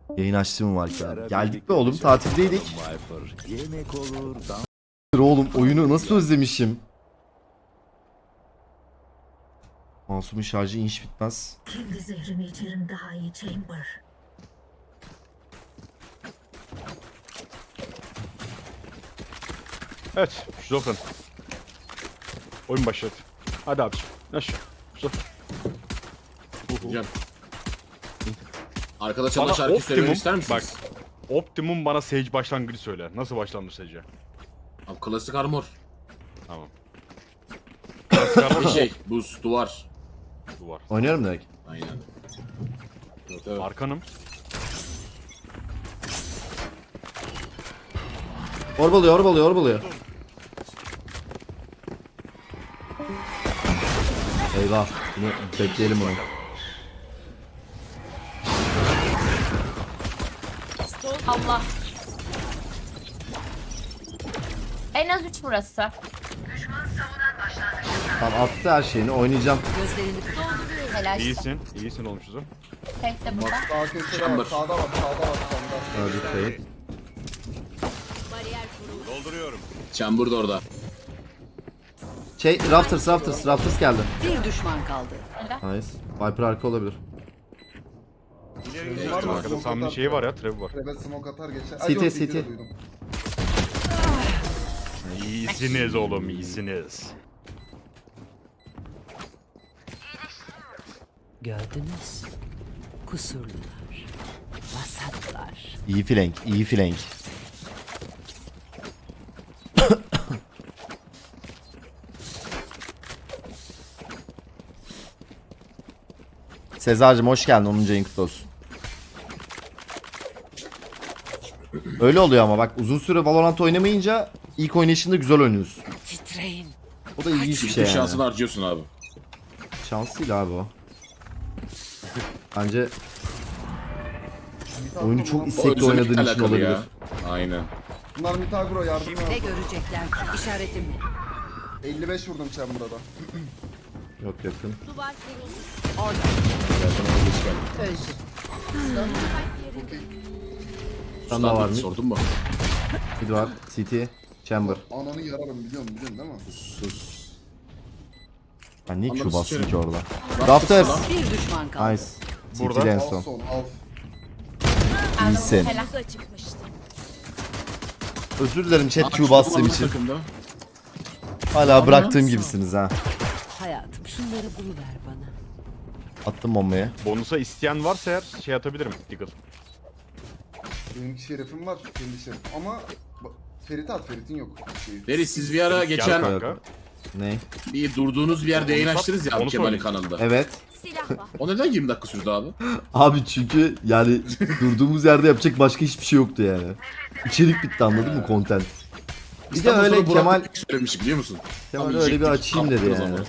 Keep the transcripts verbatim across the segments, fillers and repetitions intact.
Yayın açtığım var ki abi. Geldik mi oğlum, tatildeydik. Yemek olur, Oğlum oyunu nasıl özlemişim. Masumun şarjı inş bitmez. Kendi zehrimi içerim daha iyi Chamber. Evet, şizofren. Oyun başladı. Hadi abi. Aşağı. Şizofren. Hocam. Arkada çalan Bana şarkı söylemek optimum, ister misiniz? bak. Optimum bana Sage başlangıcı söyle. Nasıl başlanır Sage'e? Abi klasik armor. Tamam. Bir şey, buz, duvar. Duvar. Oynuyorum direkt. Aynen. Evet, evet. Arkanım. Orbalıyor, orbalıyor, orbalıyor. Eyvah. Bunu bekleyelim bunu. Allah. En az üç burası. Tamam, attı her şeyini, oynayacağım. Helal. İyisin. İyisin olmuşuz o. Tek de burada. Sağ köşede Chamber. var, sağda var, sağda var, sağda. Öldü Fade. Dolduruyorum. Chamber da orada. Şey, Rafters, Rafters, Rafters geldi. Bir düşman kaldı. Nice. Viper arka olabilir. İleri Var mı? Arkada Smoke Sami'nin atar. şeyi var ya, trebi var. Evet, smoke atar geçer. City, Ay, yok, City. de duydum. İyisiniz oğlum, iyisiniz. Gördünüz. Kusurlular. Vasatlar. İyi flank, iyi flank. Sezar'cığım hoş geldin, onuncu ayın kutlu olsun. Öyle oluyor ama bak, uzun süre Valorant oynamayınca ilk oynayışında güzel oynuyorsun. Titreyin. O da ilginç bir Çünkü şey yani. şansını harcıyorsun abi. Şans değil abi o. Bence Mid oyunu agro çok mu? istekli özlemekle oynadığın için alakalı olabilir. ya. Aynen. Bunlar mid agro, yardım Ne lazım. görecekler? İşaretim. elli beş vurdum Chamber'da da. Yok yakın. Öldü. Sen daha var mı? Sordun mu? Bir var. City. Chamber. Ananı yararım, biliyorsun, biliyorsun değil mi? Sus. Ben niye Q Anladım, bastım sıçarım. ki orada? Rafters. Rafters. Bir düşman kaldı. Nice. Burada. City'de en Al son. son, al. İyisin. Helal. Özür dilerim chat Aa, Q bastığım şu için. takımda. Hala bıraktığım gibisiniz ha. Hayatım şunları buluver bana. Attım bombayı. Bonusa isteyen varsa eğer şey atabilirim. Deagle. Benim şerefim var, kendi şerefim. Ama bak, Ferit at, Ferit'in yok. Şeyi. Deri siz bir ara Gel geçen kanka. Ne? bir durduğunuz bir yerde yayın Onu açtınız ya onu abi Kemal'in söyle. kanalında. Evet. O neden yirmi dakika sürdü abi? Abi çünkü yani durduğumuz yerde yapacak başka hiçbir şey yoktu yani. İçerik bitti, anladın mı, content. Bir de İstanbul öyle sonra Burak Kemal Bey söylemiş biliyor musun? Kemal Tam öyle bir yiyecektik, açayım dedi kaptınız yani. ama.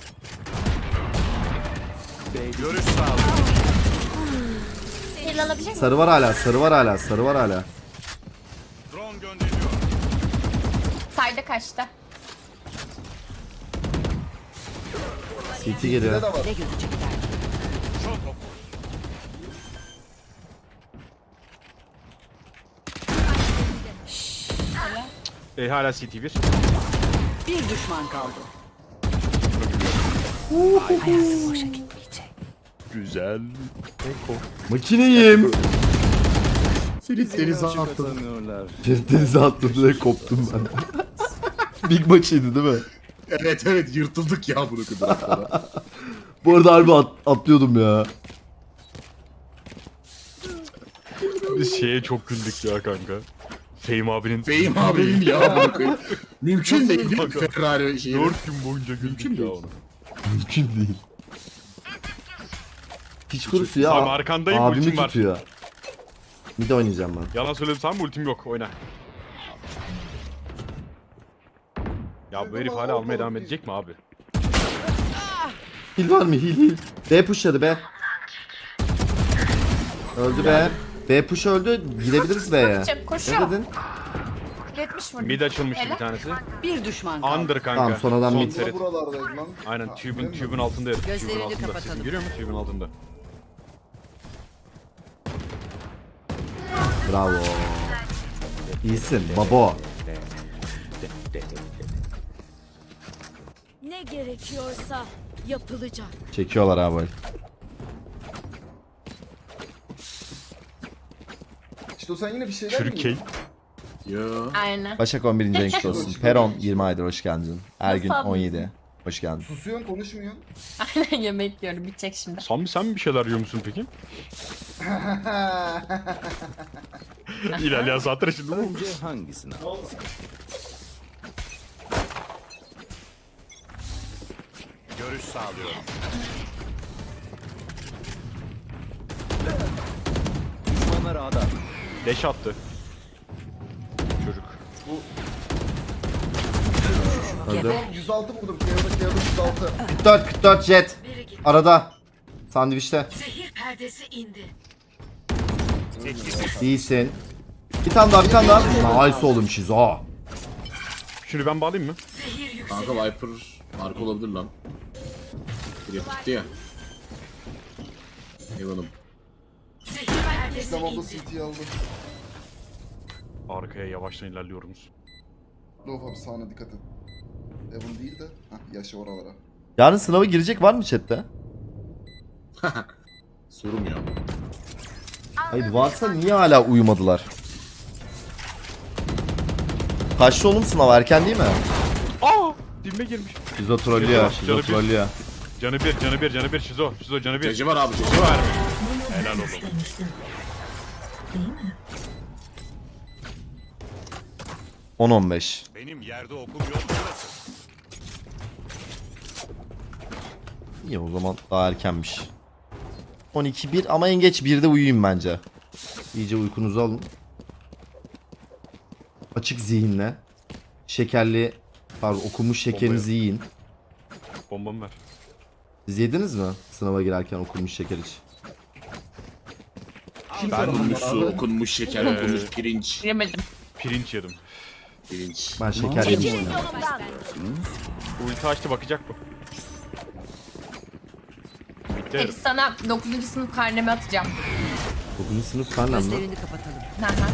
Görüş sağlık. Heal alabilir miyim? Sarı var hala, sarı var hala, sarı var hala. Drone gönderiyor. Sayda kaçtı. C T Bir de geliyor. de var. Ne görecekler? E hala C T bir. Bir düşman kaldı. Hayatım boşa gitmeyecek. Güzel. Makineyim. Ferit denize attı. kazanıyorlar. Bir denize atladı ve koptum ben. Big maçıydı değil mi? Evet evet yırtıldık ya bunu kadar. Bu arada harbi at- atlıyordum ya. Biz şeye çok güldük ya kanka. Fehim abinin Beyim abim ya bunu koyayım. Mümkün değil değil mi Kanka. Ferrari şeyi? dört gün boyunca güldük ya onu. Mümkün değil. Piç kurusu ya. Abi arkandayım, Abimi ultim var. tutuyor. Bir de oynayacağım ben. Yalan söyledim sen mi, ultim yok, oyna. Ya bu herif hala almaya devam edecek mi abi? Hil var mı? Hil hil. B pushladı be. Öldü be. B push öldü. Gidebiliriz B'ye. Çok Ne koşuyor. dedin? yetmiş vurdu. Mid açılmıştı bir Helal. tanesi. Bir düşman kaldı. Under kanka. Tamam, son adam mid. Bu da Ferit. buralardaydı lan. Aynen Ha, tube'un öyle mi? tube'un altında herif. Tube'un Gözlerini altında. kapatalım. Sesin geliyor mu? Tube'un altında. Bravo. İyisin babo. Ne gerekiyorsa yapılacak. Çekiyorlar abi. İşte o sen yine bir şeyler mi Türkiye. Yo. Aynen. Başak on birinci renk olsun. Peron yirmi aydır hoş geldin. Ergün Nasıl on yedi. Hoş geldin. Susuyorsun konuşmuyorsun. Aynen yemek yiyorum. Bitecek şimdi. Sami sen bir şeyler yiyor musun peki? İlerleyen saatler şimdi bu. Önce hangisini al? Görüş sağlıyorum. Düşmanlar ağda. Deş attı. Çocuk. Öldü. yüz altı vurdum. Kıyada kıyada yüz altı. kırk dört kırk dört jet. Arada. Sandviçte. Zehir perdesi indi. İyisin. Bir tane daha bir tane daha. Nice oğlum şizo. Şunu ben bağlayayım mı? Zehir yüksek. Kanka Viper marka olabilir lan. Bir gitti ya. Eyvallah. Zehir perdesi İslam abla indi. City'yi aldı. Arkaya yavaştan ilerliyoruz. Lof abi sağına dikkat et. Evan değil de. Hah yaşa oralara. Yarın sınava girecek var mı chatte? Sorum ya. Hayır varsa niye hala uyumadılar? Kaçta oğlum sınav erken değil mi? Aa! Dibime girmiş. Şizo trollüyor, Canı şizo bir. trollüyor. Canı bir, canı bir, canı bir. Şizo, şizo canı bir. Ceci var abi ceci var. Helal olsun. İstemiştim. Değil mi? on on beş. Benim yerde okum yok burası. İyi o zaman daha erkenmiş. on iki bir ama en geç birde uyuyayım bence. İyice uykunuzu alın. Açık zihinle. Şekerli, pardon okunmuş şekerinizi yiyin. Bombamı ver. Siz yediniz mi sınava girerken okunmuş şeker hiç? Okunmuş su, okunmuş şeker, Ee, okunmuş pirinç. Yemedim. Pirinç yedim. Pirinç. Ben şeker yedim. Ulti açtı bakacak bu. Bitti. Hep sana dokuzuncu sınıf karnemi atacağım. Dokuzuncu sınıf karnem mi? Gözlerini kapatalım. Hı hı.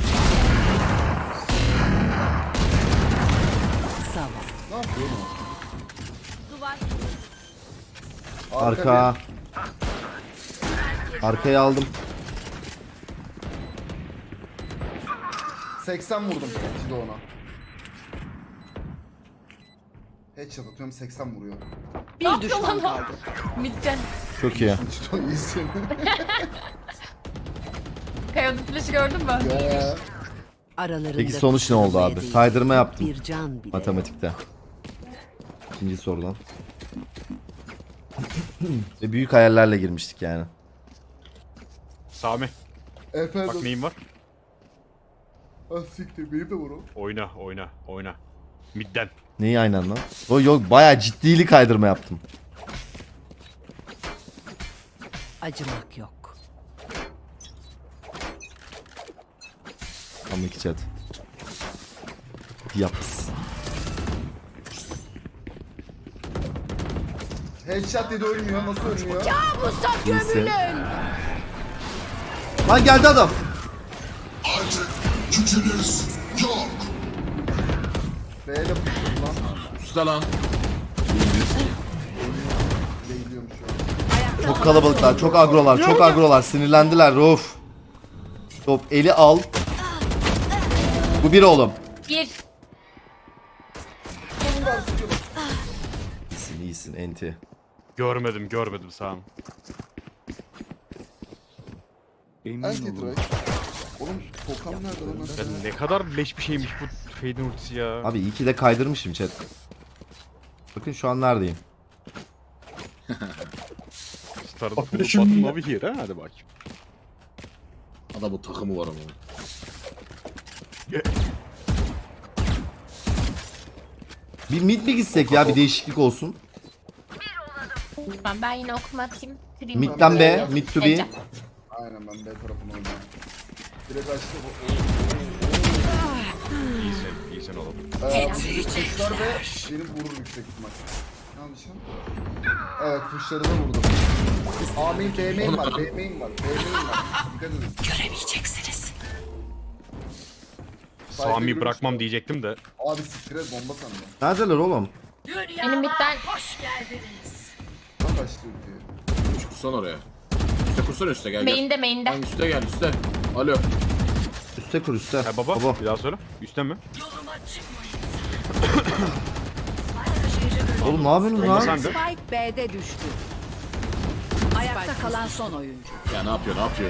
Sağ ol. Ne yapıyorsun? Duvar. Arka. Arkaya aldım. seksen vurdum Cido ona. Headshot atıyorum seksen vuruyor. Bir düşman kaldı. Bitti. Çok iyi. Cido iyisin. Kayodu flash'ı gördün mü? Ya. Aralarında Peki sonuç ne oldu kusura abi? değil. Kaydırma yaptım. Bir can bile. Matematikte. İkinci sorudan. Ve büyük hayallerle girmiştik yani. Sami, bak Efendim. neyim var? Ah siktir benim de var o. Oyna, oyna, oyna. Midden. Neyi aynı anda? O yok bayağı ciddili kaydırma yaptım. Acımak yok. Ama iki chat. Yaps. Headshot dedi ölmüyor. Nasıl ölmüyor? İyisin. Lan geldi adam. B'de pushladım lan. Usta lan. Beyliyorum şu an. Çok kalabalıklar, çok agrolar, çok agrolar. Sinirlendiler. Of. Top eli al. Bu bir oğlum. Bir. İyisin, iyisin enti. Görmedim, görmedim Sami. Emin Anti olun. try. Oğlum Tokam nerede lan? Ya ne kadar leş bir şeymiş bu Fade'in ultisi ya. Abi iyi ki de kaydırmışım chat. Bakın şu an neredeyim. Started full button over here ha, hadi bak. Adamın takımı var ama. Bir mid mi gitsek ya bir değişiklik olsun. Ben, ben yine okuma atayım. Kırayım. Mid'den B, mid to B. Heyecan. Aynen ben B tarafına oynuyorum. Direkt açtı. o- İyisin, iyisin oğlum. o- Ee, Pushlar ve benim vurur yüksek ihtimal. Ne yapacağım? Evet pushları da vurdum. A main, B main var, B main var, B main var. Dikkat edin. Göremeyeceksiniz. Sami bırakmam diyecektim de. Abi siktir et bomba sandım. Neredeler oğlum? Dünyama Benim bitten- hoş geldiniz. Lan başlıyor diyor. Kuş kursan oraya. Üste kursana üste gel gel. Main'de main'de. Lan üste gel üste. Alo. Üste kur üste. Ha baba, Baba. bir daha söyle. Üstten mi? Yoluma çıkmayın. Oğlum ne yapıyorsun Bomba lan? sende. Spike B'de düştü. Ayakta kalan son oyuncu. Ya ne yapıyor ne yapıyor?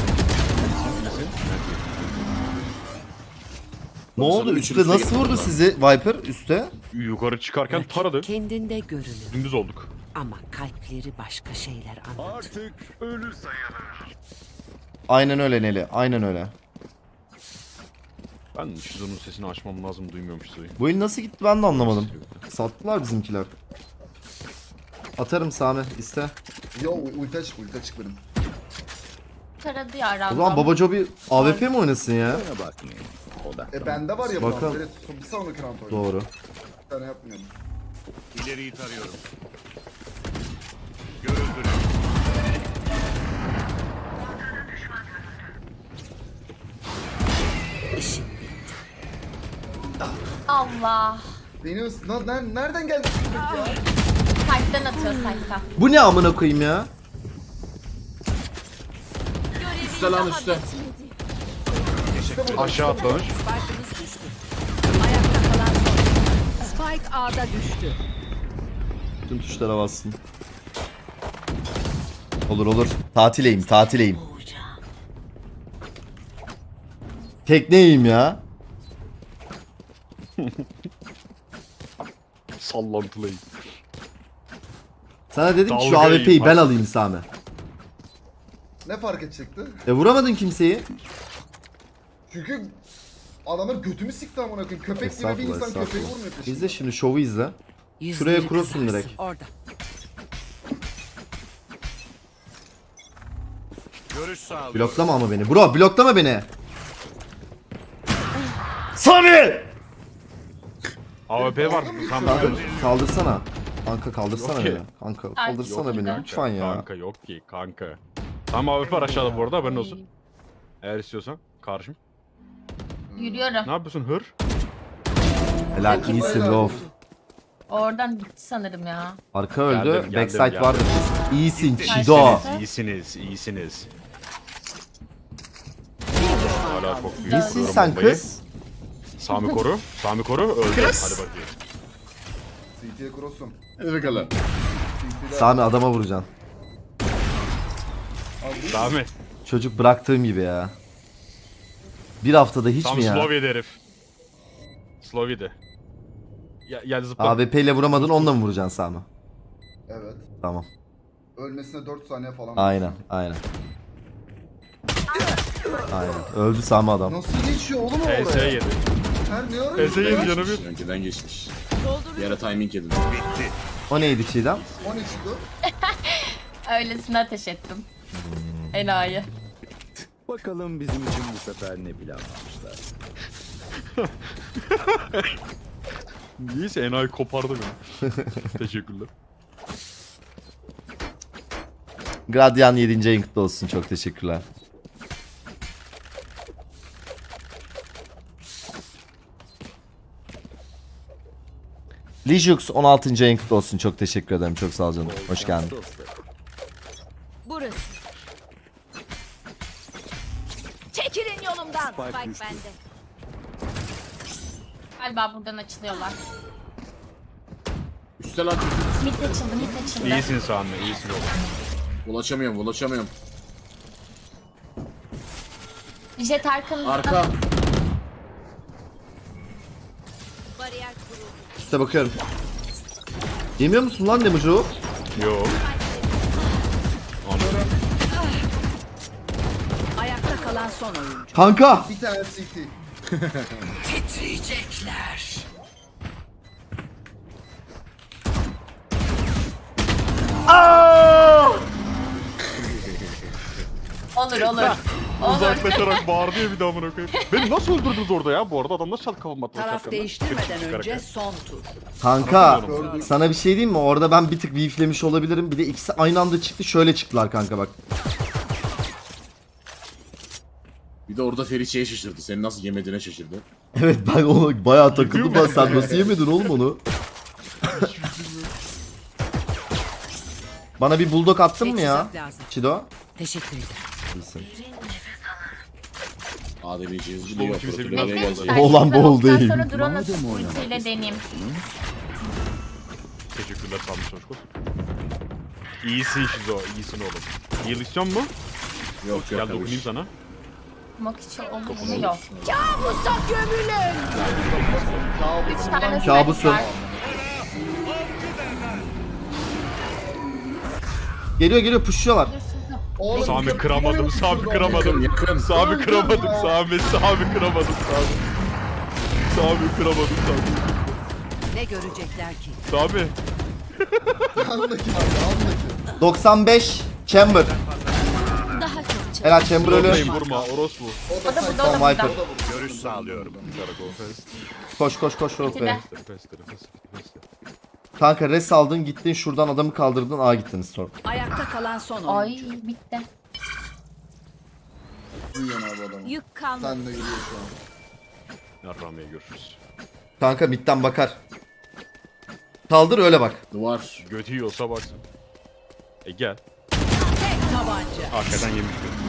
Ne oldu? Sana Üste üçüncü nasıl üste vurdu gittim sizi Viper üste? Yukarı çıkarken taradı. Kendinde görünür Dümdüz olduk. ama kalpleri başka şeyler anlatır. Artık ölü sayılır. Aynen öyle Neli. Aynen öyle. Ben Şizo'nun sesini açmam lazım, duymuyorum Şizo'yu. Bu el nasıl gitti ben de anlamadım. Sattılar bizimkiler. Atarım Sami iste. Yo ulti açık ulti açık benim. Taradı ya O random. zaman Babaco bir A W P mi oynasın ya? Bana bakmayın. Odaklan. E bende var ya Bakalım. bu an. Bir sonraki round oynuyor. Doğru. Bir tane yapmıyorum. İleriyi tarıyorum. Görüldü. Allah. Deniyorsun. Lan ner- nereden geldi? Ya? Kalpten atıyor sayfa. Bu ne amına koyayım ya? Üste lan üste. Aşağı atlamış. Spike'ımız düştü. Ayakta kalan son oyuncu. Spike A'da düştü. Tüm tuşlara bassın. Olur olur. Tatileyim tatileyim. Tekneyim ya. Sallantılıyım. Sana dedim ki şu Dalga A W P'yi yiyeyim, ben bak. alayım Sami. Ne fark edecekti? E vuramadın kimseyi. Çünkü adamlar götümü sikti amına koyayım. Köpek gibi bir Estağfurullah insan köpeği estağfurullah. vurmuyor peşinden. İzle şimdi şovu izle. Yüzleri cross'un kızarsın. direkt. Orada. Görüş sağlıyorum. Bloklama ama beni. Bro bloklama beni. Sami! A W P var. Tam Kanka kaldırsana. Kanka kaldırsana Yok ki. beni. Kanka Yok kaldırsana ki. beni lütfen ya. Kanka yok ki kanka. Tam A W P var aşağıda bu arada, haberin olsun. Eğer istiyorsan karşım. Yürüyorum. Ne yapıyorsun hır? Helal iyisin Rauf. Oradan gitti sanırım ya. Arka öldü. Geldim, geldim, Backside geldim. vardı. İyisin Çido. İyisiniz. İyisiniz, iyisiniz. Hala çok büyük. İyisin Vuruyorum sen bombayı. kız. Sami koru. Sami koru. Öldü. Hadi bakayım. C T'ye cross'um. Hadi bakalım. C T'de Sami adama vuracaksın. Sami. Çocuk bıraktığım gibi ya. Bir haftada hiç Tam mi ya? Slovya'da herif. Slovya'da. Ya, gel zıpla. A W P ile vuramadın onunla mı vuracaksın Sami? Evet. Tamam. Ölmesine dört saniye falan. Aynen aynen. Aynen. Öldü Sami adam. Nasıl geçiyor oğlum o P S oraya? yedi. Her ne ara P S yedi geçti? canı bir. Önceden geçmiş. Bir ara timing yedin. Bitti. O neydi Çiğdem? on üçtü. Öylesine ateş ettim. Enayi. Bakalım bizim için bu sefer ne planlamışlar. Niyeyse enayi kopardı beni. Teşekkürler. Gradyan yedinci ayın kutlu olsun. Çok teşekkürler. Lijux on altıncı ayın kutlu olsun. Çok teşekkür ederim. Çok sağ ol canım. Hoş geldin. Burası. Çekilin yolumdan. Spike, bende. Galiba buradan açılıyorlar. Üste lan çocuk. Mid açıldı, mid açıldı. İyisin Sami, iyisin oğlum. Ulaşamıyorum ulaşamıyorum. Jet arkanızda. Arka. Bariyer kuruldu. Üste bakıyorum. Yemiyor musun lan Demucu? Yo. Anladım. Ayakta kalan son oyuncu. Kanka! Bir tane C T. Titriyecekler. Olur olur. Olur. Uzaklaşarak bağırdı ya bir daha amına koyayım. Beni nasıl öldürdünüz orada ya bu arada? Adam nasıl çalıp kafama attı? Taraf şapkamla? değiştirmeden Çıkarak önce ya. son tur. Kanka Gördüm. sana bir şey diyeyim mi? Orada ben bir tık beeflemiş olabilirim. Bir de ikisi aynı anda çıktı. Şöyle çıktılar kanka bak. Bir de orada Ferit şeye şaşırdı. Seni nasıl yemediğine şaşırdı. Evet ben ona bayağı takıldım lan, sen nasıl yemedin oğlum onu? Bana bir bulldog attın mı ya? Teçhizat lazım. Çido? Teşekkür ederim. İyisin. Adem'in şey hızlı Oğlum diyor. kimse Protokole bilmez. gelsin. Ben Oğlan şimdi bol oktan değil. Sonra drone'u Madem oynamak ultiyle deneyeyim. Teşekkürler sağ olun çocuk. İyisin Şizo, iyisin oğlum. Heal istiyor musun? Yok Gel yok. dokunayım sana. Mok için olur yok. Kabusa gömülün. Üç tane Kabusu. sniper var. Geliyor geliyor, pushluyorlar. Oğlum, Sami köprü kıramadım, nereye Sami uçtu? kıramadım. Yakın. Sami kıramadım, Sami, Sami kıramadım, Sami. Sami kıramadım, Sami. Ne görecekler ki? Sami. Andaki abi, andaki. doksan beş Chamber. Daha çok çabuk. Helal Chamber ölü. Vurmayın, vurma, orospu. O da O da site. burada, o da Tamam, burada. Viper. Görüş sağlıyorum. Karakol fest. Koş koş koş Rock Bey. İkide. Fest, fest, fest. Kanka res aldın, gittin şuradan adamı kaldırdın, A gittiniz sonra. Ayakta kalan son Ay oyuncu. bitti. Duyuyorsun abi adamı. Yük kalmadı. Sen de yürüyor şu an. Yarrağımaya görüşürüz. Kanka midden bakar. Kaldır öyle bak. Duvar. Götü yiyorsa baksın. E gel. Tek tabanca. Arkadan yemiş götü.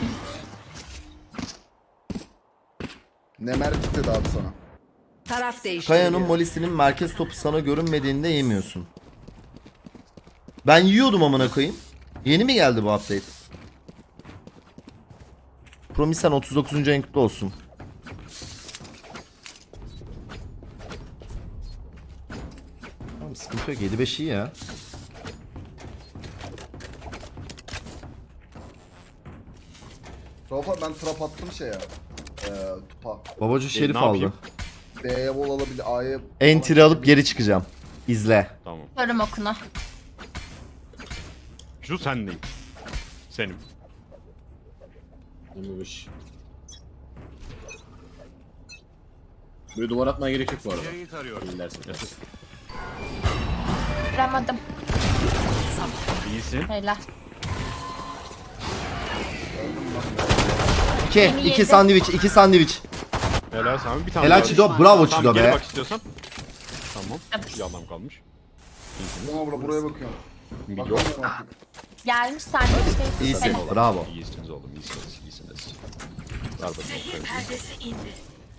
Ne merkez dedi abi sana. Taraf değiştiriliyor. Kaya'nın molisinin merkez topu sana görünmediğinde yemiyorsun. Ben yiyordum amına koyayım. Yeni mi geldi bu update? Promisen otuz dokuzuncu en kutlu olsun. Tamam, sıkıntı yok, yedi beş iyi ya. Rafa ben trap attım şeye. Eee tupa. Babacı Şerif ne aldı. yapayım? B'ye vol alabilir, A'ya... Entry alıp geri çıkacağım. İzle. Tamam. Körüm okuna. Şu sen değil. Senim. yirmi beş. Böyle duvar atmaya gerek yok bu arada. İlersin. Kıramadım. İyisin. Helal. İki, Beni iki yedi. sandviç, iki sandviç. Helal Sami, bir tane Helal daha. Çido, bravo Tamam, Çido geri be. bak istiyorsan. Tamam. Bir adam kalmış. Tamam abla buraya bakıyorum. Bir yok. Bakalım artık. Gelmiş sandviçte. İyisin, Helal. bravo. İyisiniz oğlum, iyisiniz, iyisiniz. Ver bakayım. Perdesi indi.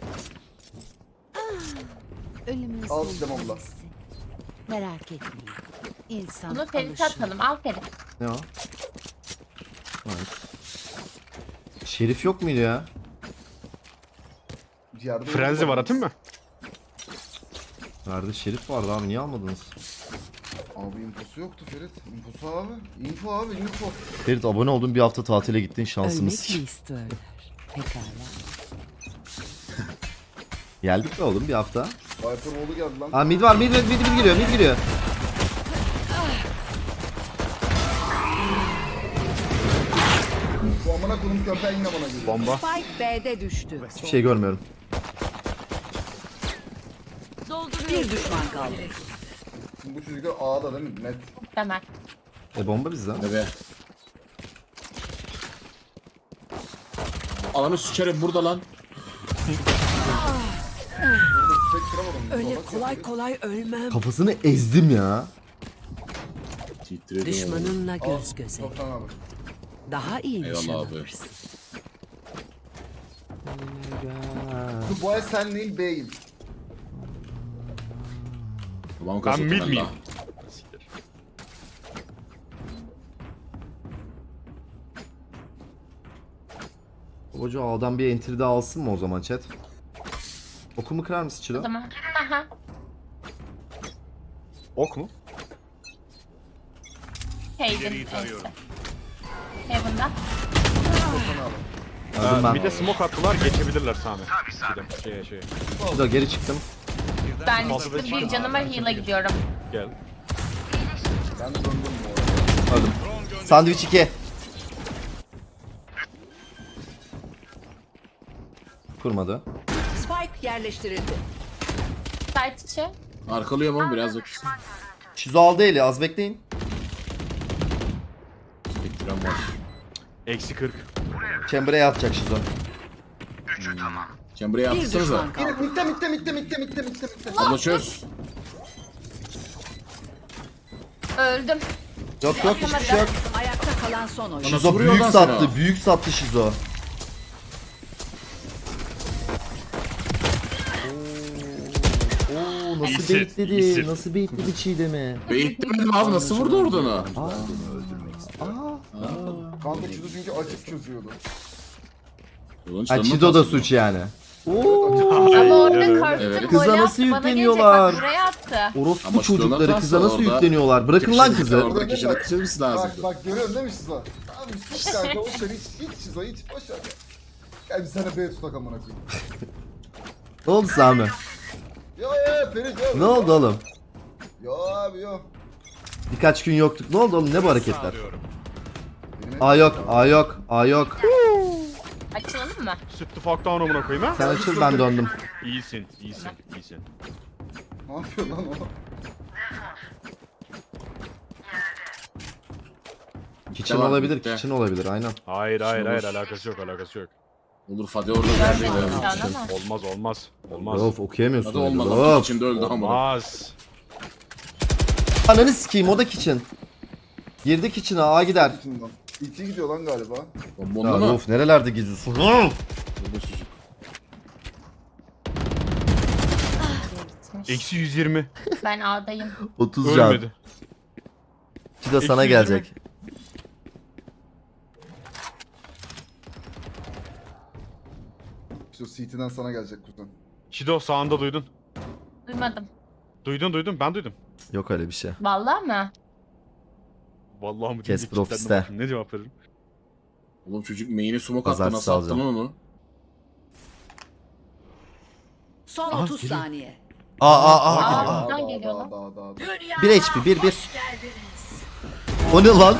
Ölümün Al son işte abla. tanesi. Merak etmeyin. İnsan Bunu Ferit'e alışır. atalım. Al Ferit. Ne o? Nice. Şerif yok muydu ya? Yerde Frenzy var, atayım mı? Nerede Şerif vardı abi, niye almadınız? Abi infosu yoktu Ferit. Infosu abi. Info abi, info. Ferit abone oldun, bir hafta tatile gittin, şansımız. Ölmek mi istiyorlar? Pekala. Geldik mi oğlum bir hafta? Viper Wall'u geldi lan. Aa mid var, mid, mid, mid, mid giriyor, mid giriyor. Bu amına koyduğum köpeği yine bana geliyor. Bomba. Spike B'de düştü. Hiçbir şey görmüyorum. Bir düşman kaldı. Şimdi bu çocuklar A'da değil mi? Net. Hemen. E bomba bizde. Ne be? Alanı sükerim burada lan. Burada tüfek kıramadım. Öyle Salak kolay ya. kolay ölmem. Kafasını ezdim ya. Titredim. Düşmanınla Al, göz göze. Toplan abi. Daha iyi Eyvallah nişan abi. alırsın. Dur, bu ay sen değil B'yim. Babam Ben kazıktı mid ben miyim? daha. Siktir. Babacı A'dan bir entry daha alsın mı o zaman chat? Okumu kırar mısın O Çilo? zaman. Aha. Ok mu? Hayden. Heaven'da. Toplan abi. Öldüm Ee, ben. bir de smoke attılar, geçebilirler Sami. Gidem, şeye şeye. Çilo geri çıktım. Ben Altı çıktım, beş bir canıma heal'a gidiyorum. Gel. Ben de döndüm bu arada. Öldüm. Sandviç iki. Kurmadı. Spike yerleştirildi. Site içi. Arkalıyorum ama biraz beklesin. Şizo aldı eli, az bekleyin. Bekliyorum var. Eksi kırk. Chamber'a yatacak Şizo. Sen buraya Bir atsanıza. düşman kaldı. Mitte mitte mitte mitte mitte mitte mitte. Abla çöz. Öldüm. Yok yok hiçbir şey yok. Ayakta kalan son oyun. Nasıl Şizo vuruyor büyük lan sattı. sana? Büyük sattı Şizo. Oo, nasıl İyisin, bekledi? iyisin. Nasıl bekledi Çiğdem'i? Beyitlemedim abi nasıl vurdu orada onu? Kanka Çido çünkü açık çözüyordu. Ulan Ha canına Çido da kalsın. suç yani. Ama orada Evet. korktum. Evet. Kıza gol nasıl attı, bana yükleniyorlar? gelecek, bak buraya attı. Orospu Ama Çido'nun çocukları hatası kıza nasıl orada. yükleniyorlar? Bırakın lan kızı. Orada köşede kışırması lazım. Bak bak görüyorsun değil mi Şizo? Tamam hiç kanka boş ver hiç hiç Şizo hiç boş ver. Gel bir sana B tutak amına koyayım. Ne oldu Sami? Yo yo Ferit yo. Ne oldu oğlum? Yo abi yo. Birkaç gün yoktuk. Ne oldu oğlum? Ne bu hareketler? Benim A yok, A yok, A yok. Açılalım mı? Sütlü fuck down amına koyayım ha. Sen açıl ben döndüm. İyisin, iyisin, iyisin. Ne yapıyor lan o? Kitchen Devam, olabilir, bitti. kitchen olabilir aynen. Hayır, hayır, Şunu hayır, vur. alakası yok, alakası yok. Olur Fadi orada geldi. Görmedim şu an ama. Olmaz, olmaz, olmaz. Of okuyamıyorsun. Hadi öyle. olmadı. Of. İçinde öldü ama. Olmaz. Ananı sikeyim o da kitchen. Girdi kitchen'a A gider. İçinden. İki gidiyor lan galiba. Bombonda Ya mı? of nerelerde gizlisin? Hı! Burada çocuk. Eksi yüz yirmi. Ben A'dayım. otuz can. Ölmedi. İki de sana Eksi yüz gelecek. İşte o C T'den sana gelecek kuzen. Şido sağında duydun. Duymadım. Duydun, duydun, ben duydum. Yok öyle bir şey. Vallahi mı? Vallahi mı? Kes diyecek, profiste. kitlendim bakayım, ne cevap veririm? Oğlum çocuk main'e smoke attı Pazartesi nasıl attın alacağım. lan onu? Son Aha, otuz geliyor. saniye. A A A Aa, A. buradan daha, geliyor daha, lan. daha, daha, daha. Dünya bir H P bir bir. hoş geldiniz. O ne lan?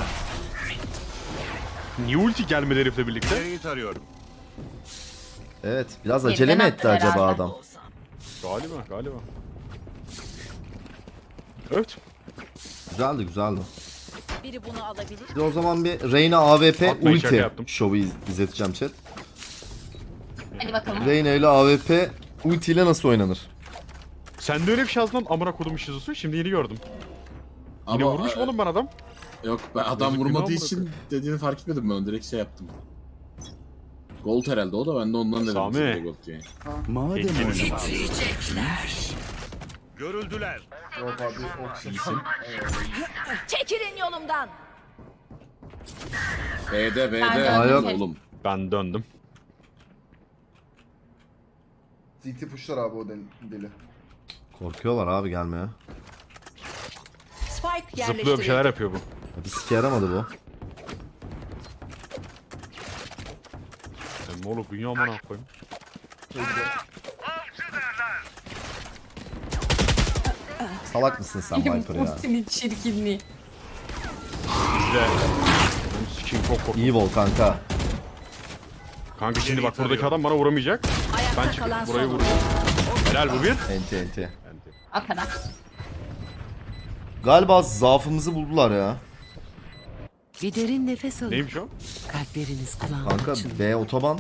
Niye ulti gelmedi herifle birlikte? Evet biraz Geriden acele mi attı etti acaba herhalde. adam? Olsam. Galiba, galiba. Evet. Güzeldi güzeldi. Biri bunu alabilir. Bir de o zaman bir Reyna A W P Atmayın, şaka ulti yaptım. şovu iz- izleteceğim chat. Hadi bakalım. Reyna ile A W P ulti ile nasıl oynanır? Sen de öyle bir şey yazdın lan amına kodum şizosu. Şimdi yeni gördüm. Yine Ama vurmuş e, mu oğlum ben adam? Yok ben adam Yazık vurmadığı günah için dediğini fark etmedim ben direkt şey yaptım. Gold herhalde o da ben de ondan dedim. Sami. size Gold diye. Madem Peki. oynamak Yok abi o şey. İyisin. Çekilin yolumdan. B'de B'de. Ben Aa, yok. Oğlum. Ben döndüm. C T pushlar abi o deli. deli. Korkuyorlar abi gelmeye. Spike Zıplıyor bir yerleştirildi. şeyler yapıyor bu. Ya bir sike yaramadı bu. Sen ne olur dünya amına koyayım. Salak mısın sen Viper ya? Ultinin çirkinliği. Bizde. Benim sikim çok korktum. İyi vol kanka. Kanka şimdi bak buradaki adam bana vuramayacak. Ben Ayakta çıkıp kalan burayı son oyun. vuracağım. Helal bu bir. Enti enti. O kadar. Galiba zaafımızı buldular ya. Bir derin nefes alın. Neymiş o? Kalpleriniz kulağına Kanka açın. B otoban.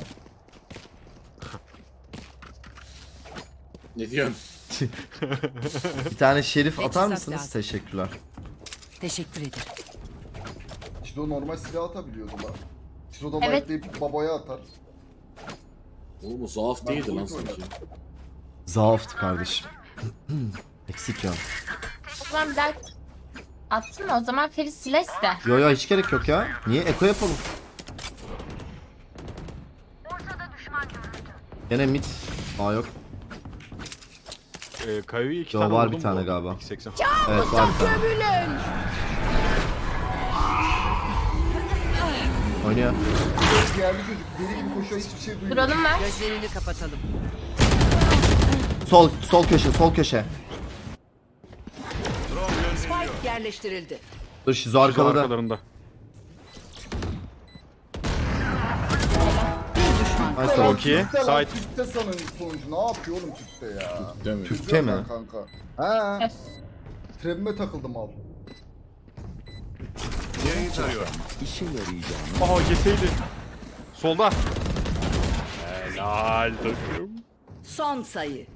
Ne diyorsun? Bir tane şerif Teçhizat atar mısınız? lazım. Teşekkürler. Teşekkür ederim. İşte o normal silah atabiliyordu lan. İşte o da Evet. evet. babaya atar. Oğlum o zaaf değildi lan bunu sanki. Zaaftı kardeşim. Eksik ya. O zaman bir daha attın mı? O zaman Ferit Siles de. Yo yo hiç gerek yok ya. Niye? Eko yapalım. Gene mid. Aa yok. Ee, Kayı'yı iki Yo, tane var vurdum bir tane bu. galiba. iki seksen. Evet var bir tane. Oynuyor. Diğerli çocuk deli gibi koşuyor hiçbir şey duymuyor. Duralım mı? Gözlerini kapatalım. Sol sol köşe sol köşe. Spike yerleştirildi. Dur Şizo arkaladı. Arkalarında. Bir düşman. Nice oğlum. Çok iyi. Tüpte lan, Side. tüpte sanın sonucu ne yapıyor oğlum tüpte ya? Değil mi? Tüpte mi? Ben kanka. Ha, Öf. trebime takıldım al. işe yarayacağını Aha keseydi. Solda. Helal takım. Son sayı.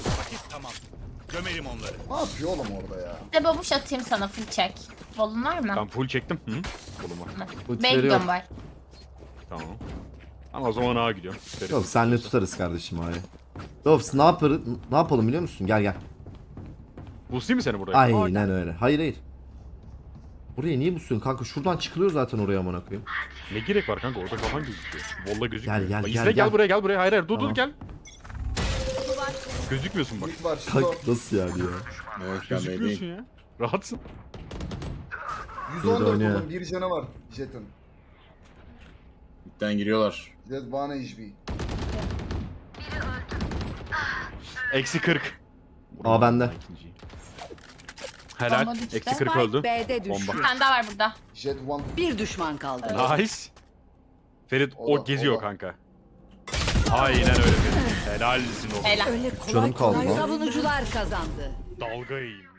Ne yapıyor oğlum orada ya? Bir de babuş atayım sana full check. Volun var mı? Ben full çektim. Hı? Koluma. Ulti Ben veriyor. gidiyorum var. Tamam. Ama o zaman A'ya gidiyorum. Ferit. Yok senle tutarız kardeşim abi. Doves ne yaparız? Ne yapalım biliyor musun? Gel gel. Boostayım mı seni buraya? Aynen öyle. Hayır hayır. Buraya niye busuyorsun kanka? Şuradan çıkılıyor zaten oraya amına koyayım. Ne gerek var kanka? Orada kafan gözüküyor. Volla gözükmüyor. Gel, gel, Bak, gel, izle, gel gel. buraya gel buraya. Hayır hayır dur Tamam. dur gel. Gözükmüyorsun bak. Mid var. Şito. Kanka nasıl yani ya? Evet ben Gözükmüyorsun beydeyim. ya. Rahatsın. yüz on dört oynuyor. oğlum. Bir canı var. Jet'in. Midden giriyorlar. Jet one H P. Eksi kırk. Aa bende. Bomba Helal. düştü. Eksi kırk öldü. B'de düştü. Bomba. Bir tane daha var burada. Jet one. Bir düşman kaldı. Nice. Ferit O o, da, geziyor o da. kanka. Aynen öyle Ferit. Helalsin oğlum. Helal. Öyle kolay Canım kaldı kolay lan. savunucular kazandı. Dalga yiyeyim.